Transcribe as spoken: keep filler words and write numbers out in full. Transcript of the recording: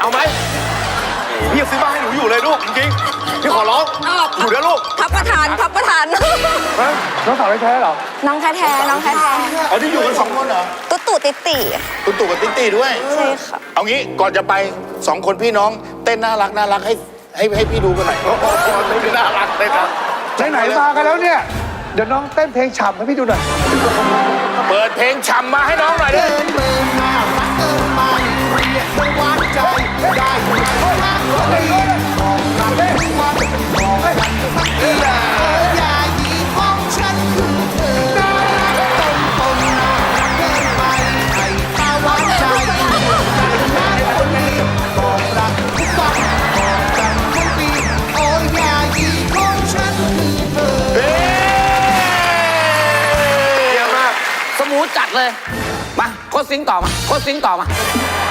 เอาไหมพี่ซื้อมาให้หนูอยู่เลยลูกจริงๆพี่ขอร้องอยู่นะลูกพับประธานพับประธานน้องสาวแท้ๆเหรอน้องแท้ๆน้องแท้อ๋อที่อยู่กันสองคนเหรอๆตุ๊ตู่ติติคุณตู่กับติ๊ตี้ด้วยใช่ค่ะเอางี้ก่อนจะไปสองคนพี่น้องเต้นน่ารักน่ารักให้ให้ให้พี่ดูกันหน่อยโอ้โหน่ารักเลยครับไหนๆมากันแล้วเนี่ยเดี๋ยวน้องเต้นเพลงฉ่ำให้พี่ดูหน่อยเปิดเพลงฉ่ำมาให้น้องหน่อยดิสมูทจัดเลยมาโคตรซิงต่อมาโคตรซิงต่อมา